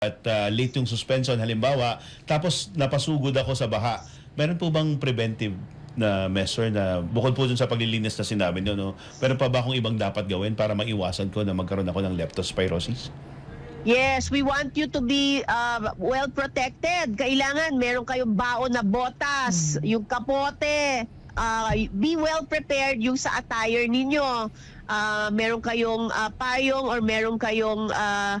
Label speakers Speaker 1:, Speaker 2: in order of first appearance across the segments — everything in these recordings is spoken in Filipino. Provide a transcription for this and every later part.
Speaker 1: at late yung suspension halimbawa, tapos napasugod ako sa baha, meron po bang preventive na measure na bukod po dun sa paglilinis na sinabi nyo, no? Meron pa ba akong ibang dapat gawin para maiwasan ko na magkaroon ako ng leptospirosis?
Speaker 2: Yes, we want you to be well protected. Kailangan meron kayong baon na botas, yung kapote. Be well prepared yung sa attire ninyo. Meron kayong payong or meron kayong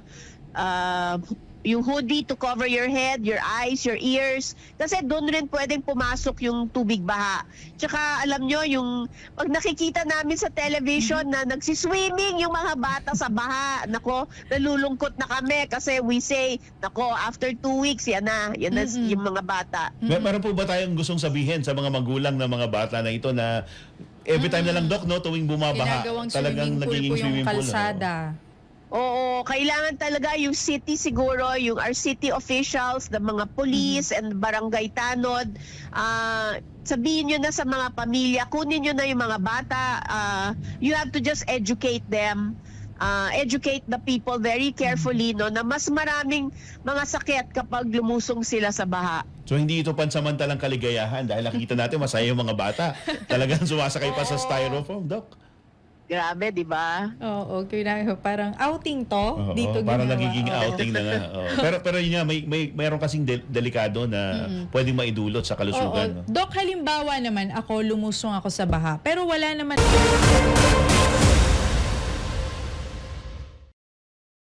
Speaker 2: yung hoodie to cover your head, your eyes, your ears. Kasi doon rin pwedeng pumasok yung tubig baha. Tsaka alam nyo, yung pag nakikita namin sa television na nagsiswimming yung mga bata sa baha, nako, nalulungkot na kami kasi we say, nako, after 2 weeks, yan na yung mga bata.
Speaker 1: Meron po ba tayong gustong sabihin sa mga magulang ng mga bata na ito na every time na lang, Doc, no, tuwing bumabaha,
Speaker 3: Ginagawang
Speaker 1: talagang
Speaker 3: swimming pool
Speaker 1: nagiging
Speaker 3: po yung
Speaker 1: swimming pool.
Speaker 3: kalsada.
Speaker 2: Oo, kailangan talaga yung city siguro, yung our city officials, the mga police and barangay tanod, sabihin nyo na sa mga pamilya, kunin nyo na yung mga bata, you have to just educate them, educate the people very carefully, no, na mas maraming mga sakit kapag lumusong sila sa baha.
Speaker 1: So hindi ito pansamantalang kaligayahan dahil nakikita natin masaya yung mga bata. Talagang sumasakay pa sa styrofoam, Doc.
Speaker 2: Grabe, di ba?
Speaker 3: Oo, parang outing to.
Speaker 1: Oo,
Speaker 3: Dito
Speaker 1: parang
Speaker 3: ginawa.
Speaker 1: nagiging
Speaker 3: Oo.
Speaker 1: outing na nga. Oo. Pero yun nga, mayroon kasing delikado na pwedeng maidulot sa kalusugan.
Speaker 3: Oo. Dok, halimbawa naman ako, lumusong ako sa baha. Pero wala naman